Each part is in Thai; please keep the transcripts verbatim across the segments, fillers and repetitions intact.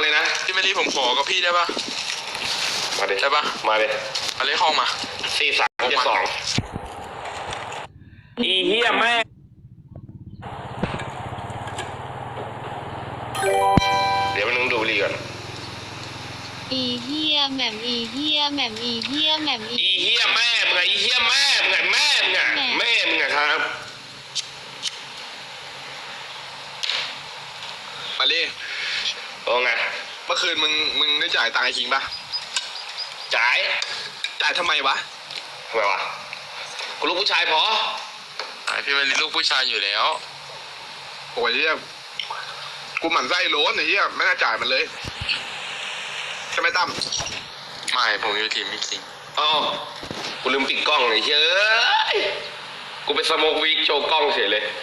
เลยนะพี่ไม่รีผมขอกับพี่ได้ปะมาดิได้ปะมาดิมาเลขห้องมาสี่สามเจ็ดสองอีเหี้ยแม่เดี๋ยวมันนึงดูบุหรี่ก่อนอีเฮียแหม่มอีเฮียแหม่มอีเฮียแหม่มอีอีเหี้ยแม่มึงไงอีเหี้ยแม่มึงไงแม่มึงไงแม่มึงไงครับมาเลโอ้ไงเมื่อคืนมึงมึงได้จ่ายตังค์ไอ้คิงปะจ่ายจ่ายทำไมวะทำไมวะกูลูกผู้ชายพอพี่เป็นลูกผู้ชายอยู่แล้วโอ้ยเฮียกูหมั่นไส้โล้นไอ้เฮียไม่น่าจ่ายมันเลยใช่ไหมตั้มไม่ผมอยู่ทีมพี่คิงอ๋อกูลืมปิดกล้องเลยเฮ้ยกูไปสโมกวีคโชว์กล้องเฉยเลย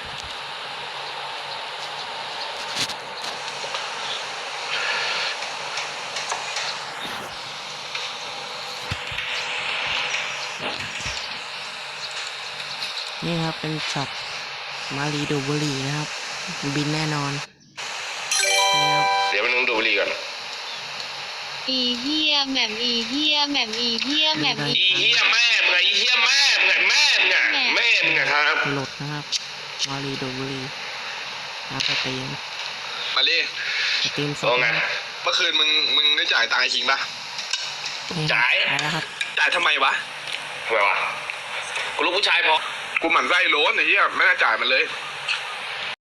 นี่ครับเป็นช็อตมารีดูบุหรี่นะครับบินแน่นอนนี่ครับเดี๋ยวมันนึงดูบุหรี่ก่อนอีเฮียแหม่มอีเฮียแหม่มอีเฮียแหม่มอีเหี้ยแม่มึงไงอีเหี้ยแม่มึงไงแม่มึงไงแม่มึงไงครับหลุดนะครับมารีดูบุหรี่นะสตรีมมาเลสตรีมสดโอ้ไงเมื่อคืนมึงมึงได้จ่ายตังค์ไอ้คิงปะจ่ายแล้วครับจ่ายทำไมวะทำไมวะกูลูกผู้ชายพอกูหมั่นไส้โล้นไอ้เฮียไม่น่าจ่ายมันเลย